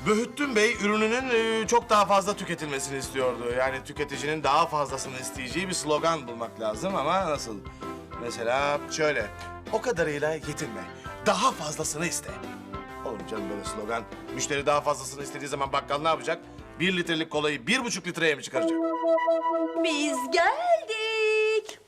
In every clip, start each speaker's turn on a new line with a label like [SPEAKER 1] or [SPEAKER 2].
[SPEAKER 1] Böhüttün Bey ürününün çok daha fazla tüketilmesini istiyordu. Yani tüketicinin daha fazlasını isteyeceği bir slogan bulmak lazım ama nasıl? Mesela şöyle, o kadarıyla yetinme, daha fazlasını iste. Olur mu canım böyle slogan? Müşteri daha fazlasını istediği zaman bakkal ne yapacak? 1 litrelik kolayı 1,5 litreye mi çıkaracak?
[SPEAKER 2] Biz geldik.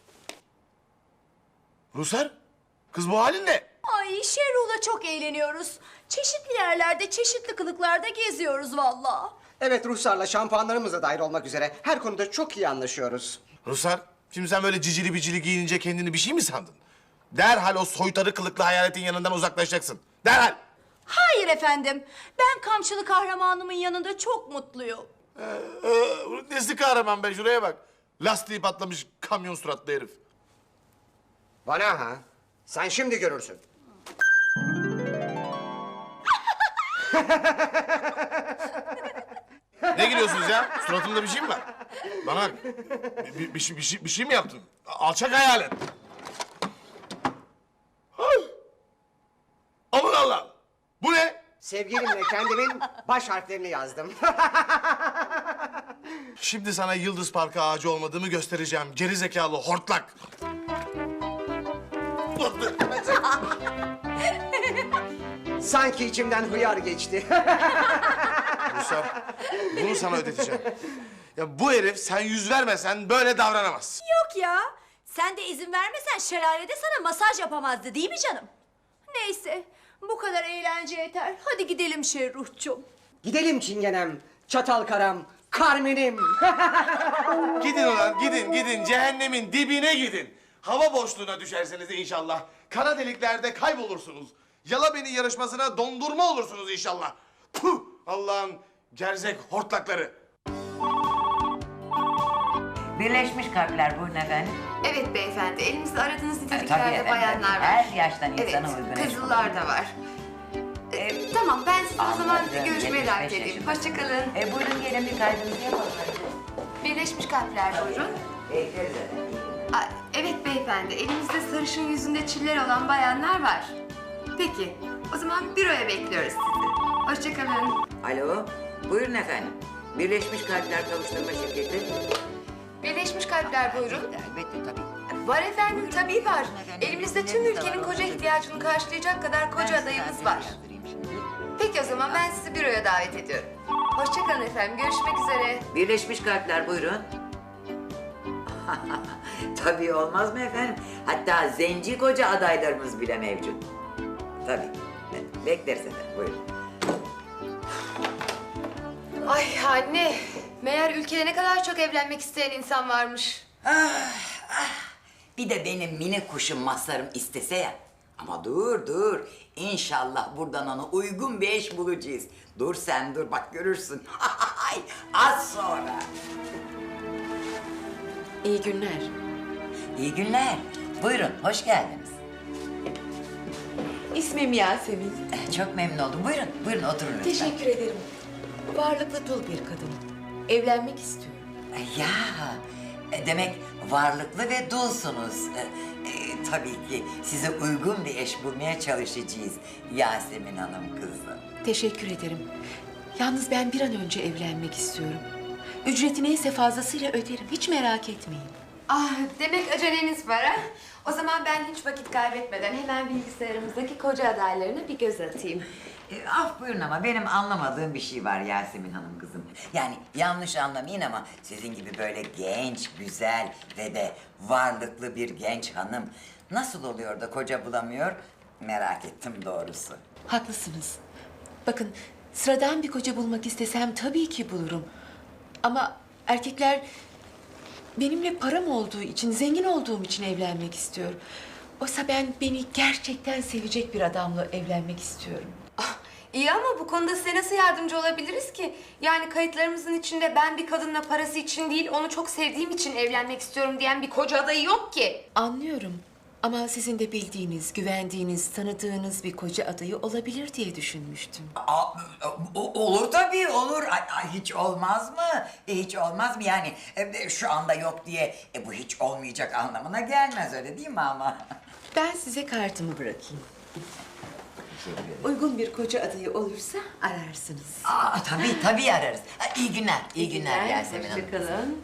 [SPEAKER 1] Rusar, kız bu halin ne?
[SPEAKER 2] Ay Şerruh'la çok eğleniyoruz. Çeşitli yerlerde, çeşitli kılıklarda geziyoruz vallahi.
[SPEAKER 3] Evet, Ruhsar'la şampuanlarımız da dahil olmak üzere her konuda çok iyi anlaşıyoruz.
[SPEAKER 1] Rusar, şimdi sen böyle cicili bicili giyinince kendini bir şey mi sandın? Derhal o soytarı kılıklı hayaletin yanından uzaklaşacaksın. Derhal!
[SPEAKER 2] Hayır efendim. Ben kamçılı kahramanımın yanında çok mutluyum.
[SPEAKER 1] Nesi kahraman be, şuraya bak. Lastiği patlamış kamyon suratlı herif.
[SPEAKER 3] Bana ha? Sen şimdi görürsün.
[SPEAKER 1] Ne gülüyorsunuz ya? Suratımda bir şey mi var? Bana bak. Bir şey mi yaptın? Alçak hayalet. Ay! Aman Allah'ım! Bu ne?
[SPEAKER 3] Sevgilimle kendimin baş harflerini yazdım.
[SPEAKER 1] Şimdi sana Yıldız Parkı ağacı olmadığımı göstereceğim. Geri zekalı hortlak.
[SPEAKER 3] Sanki içimden hıyar geçti.
[SPEAKER 1] Rusar, bunu sana ödeteceğim. Ya bu herif sen yüz vermesen böyle davranamaz.
[SPEAKER 2] Yok ya. Sen de izin vermesen şelalede sana masaj yapamazdı değil mi canım? Neyse. Bu kadar eğlence yeter. Hadi gidelim Şerruhçum.
[SPEAKER 3] Gidelim Çingenem, çatal karam, Carmen'im.
[SPEAKER 1] Gidin ulan, gidin. Cehennemin dibine gidin. Hava boşluğuna düşerseniz inşallah. Kara deliklerde kaybolursunuz. Yala beni yarışmasına dondurma olursunuz inşallah. Puh! Allah'ın gerzek hortlakları.
[SPEAKER 4] Birleşmiş Kalpler buyurun efendim.
[SPEAKER 5] Evet beyefendi, elimizde aradığınız
[SPEAKER 4] Tabii
[SPEAKER 5] niteliklerde
[SPEAKER 4] efendim,
[SPEAKER 5] bayanlar var.
[SPEAKER 4] her yaştan
[SPEAKER 5] Evet,
[SPEAKER 4] insana uygun eş
[SPEAKER 5] kızıllar da var. Tamam, ben sizi o zaman
[SPEAKER 4] Anladım,
[SPEAKER 5] görüşmeye
[SPEAKER 4] 75
[SPEAKER 5] davet edeyim.
[SPEAKER 4] yaşında.
[SPEAKER 5] Hoşçakalın.
[SPEAKER 4] Buyurun gelin bir kaydınızı yapalım.
[SPEAKER 5] Birleşmiş Kalpler buyurun.
[SPEAKER 4] Bekleriz efendim.
[SPEAKER 5] Evet beyefendi, elimizde sarışın yüzünde çiller olan bayanlar var. Peki, o zaman büroya bekliyoruz sizi. Hoşçakalın.
[SPEAKER 4] Alo, buyurun efendim. Birleşmiş Kalpler Kavuşturma Şirketi.
[SPEAKER 5] Birleşmiş Kalpler buyurun.
[SPEAKER 4] Elbette tabii.
[SPEAKER 5] Var efendim, tabii var. Elimizde tüm ülkenin koca ihtiyacını karşılayacak kadar koca adayımız var. Peki o zaman ben sizi büroya davet ediyorum. Hoşçakalın efendim, görüşmek üzere.
[SPEAKER 4] Birleşmiş Kalpler buyurun. Tabii olmaz mı efendim? Hatta zenci koca adaylarımız bile mevcut. Tabii. Bekleriz efendim buyurun.
[SPEAKER 5] Ay anne, meğer ülkede ne kadar çok evlenmek isteyen insan varmış.
[SPEAKER 4] Bir de benim mini kuşum Mazhar'ım istese ya. Ama dur. İnşallah buradan ona uygun bir eş bulacağız. Dur sen dur bak görürsün. Az sonra.
[SPEAKER 5] İyi günler.
[SPEAKER 4] İyi günler. Buyurun hoş geldiniz.
[SPEAKER 6] İsmim Yasemin.
[SPEAKER 4] Çok memnun oldum. Buyurun oturun lütfen.
[SPEAKER 6] Teşekkür ederim. Varlıklı dul bir kadın. Evlenmek istiyorum.
[SPEAKER 4] Ya demek varlıklı ve dulsunuz. Tabii ki size uygun bir eş bulmaya çalışacağız Yasemin Hanım kızım.
[SPEAKER 6] Teşekkür ederim. Yalnız ben bir an önce evlenmek istiyorum. Ücreti neyse fazlasıyla öderim. Hiç merak etmeyin.
[SPEAKER 5] Ah, demek aceleniz var ha? O zaman ben hiç vakit kaybetmeden hemen bilgisayarımızdaki koca adaylarına bir göz atayım.
[SPEAKER 4] Af buyurun ama benim anlamadığım bir şey var Yasemin Hanım kızım. Yani yanlış anlamayın ama sizin gibi böyle genç, güzel ve de varlıklı bir genç hanım nasıl oluyor da koca bulamıyor merak ettim doğrusu.
[SPEAKER 6] Haklısınız. Bakın sıradan bir koca bulmak istesem tabii ki bulurum. Ama erkekler benimle param olduğu için, zengin olduğum için evlenmek istiyor. Oysa ben beni gerçekten sevecek bir adamla evlenmek istiyorum.
[SPEAKER 5] İyi ama bu konuda size nasıl yardımcı olabiliriz ki? Yani kayıtlarımızın içinde ben bir kadınla parası için değil, onu çok sevdiğim için evlenmek istiyorum diyen bir koca adayı yok ki.
[SPEAKER 6] Anlıyorum. Ama sizin de bildiğiniz, güvendiğiniz, tanıdığınız bir koca adayı olabilir diye düşünmüştüm.
[SPEAKER 4] Olur tabii olur. Hiç olmaz mı? Hiç olmaz mı yani şu anda yok diye bu hiç olmayacak anlamına gelmez öyle değil mi ama?
[SPEAKER 6] Ben size kartımı bırakayım.
[SPEAKER 4] Teşekkür ederim.
[SPEAKER 6] Uygun bir koca adayı olursa ararsınız.
[SPEAKER 4] Aa, tabii ararız. İyi günler, iyi günler Yasemin Hanım.
[SPEAKER 6] Hoşçakalın.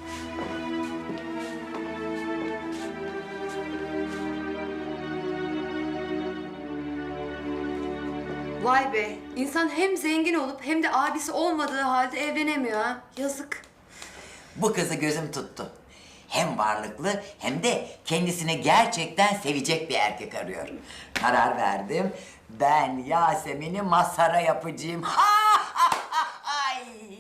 [SPEAKER 5] Vay be, insan hem zengin olup hem de abisi olmadığı halde evlenemiyor ha. Yazık.
[SPEAKER 4] Bu kızı gözüm tuttu. Hem varlıklı hem de kendisini gerçekten sevecek bir erkek arıyorum. Karar verdim. Ben Yasemin'i Mazhar'a yapacağım. Ay!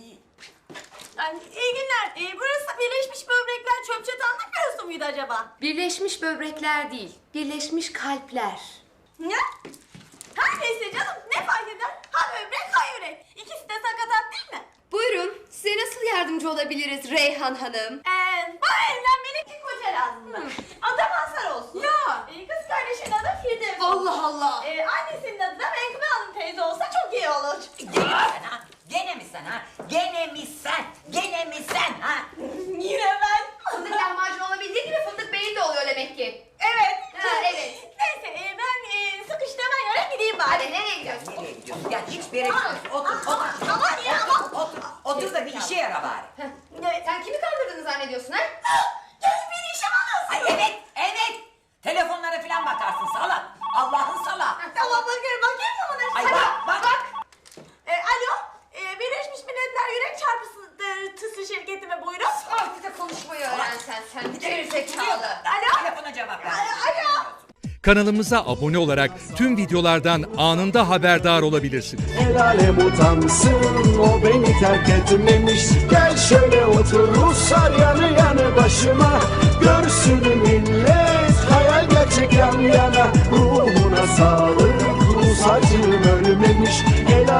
[SPEAKER 2] İyi günler. Burası Birleşmiş Böbrekler Çöp Çatanlık Bürosu muydu acaba?
[SPEAKER 5] Birleşmiş böbrekler değil, birleşmiş kalpler.
[SPEAKER 2] Ne? Her neyse canım, ne fark eder? Ha böbrek, ha yürek. İkisi de sakatat değil mi?
[SPEAKER 5] Buyurun, size nasıl yardımcı olabiliriz Reyhan Hanım?
[SPEAKER 2] Bana evlenmelik bir koca lazım. Adı Mazhar olsun. Ya. Kız kardeşinin adı Firdevs.
[SPEAKER 5] Allah Allah!
[SPEAKER 2] Annesinin adı da Menkıbe Hanım teyze olsa çok iyi olur.
[SPEAKER 4] Gene mi sen ha? Gene mi sen? Gene mi sen ha?
[SPEAKER 2] Yine ben.
[SPEAKER 5] Fındık lahmacun olabildiği gibi fındık beyin de oluyor demek ki.
[SPEAKER 2] Evet.
[SPEAKER 5] Ha, evet.
[SPEAKER 2] Neyse ben sıkıştığıma göre gideyim bari.
[SPEAKER 5] Hadi nereye gidiyorsun?
[SPEAKER 4] Nereye gidiyorsun? Gel hiçbir yere gitmiyorsun. Otur.
[SPEAKER 2] Aman ya aman.
[SPEAKER 4] Otur da bir işe yara bari.
[SPEAKER 5] Sen kimi kandırdığını zannediyorsun ha?
[SPEAKER 2] Gelin beni işe alın.
[SPEAKER 4] Ay evet. Telefonlara falan bakarsın salak. Allah'ın salak.
[SPEAKER 2] Tamam bakayım mı buna?
[SPEAKER 4] Ay
[SPEAKER 2] Hadi.
[SPEAKER 4] bak.
[SPEAKER 2] Alo. Birleşmiş Milletler Yürek Çarpıntısı şirketi mi buyurun?
[SPEAKER 5] Artık da konuşmayı öğren sen gerizekalı.
[SPEAKER 2] Alo.
[SPEAKER 4] Telefona cevap ver.
[SPEAKER 2] Alo.
[SPEAKER 7] Kanalımıza abone olarak tüm videolardan anında haberdar olabilirsiniz.
[SPEAKER 8] El alem utansın, o beni terk etmemiş. Gel şöyle otur Ruslar yanı yanı başıma. Görsün millet hayal gerçek yan yana. Ruhuna sağlık, Rus acım ölmemiş.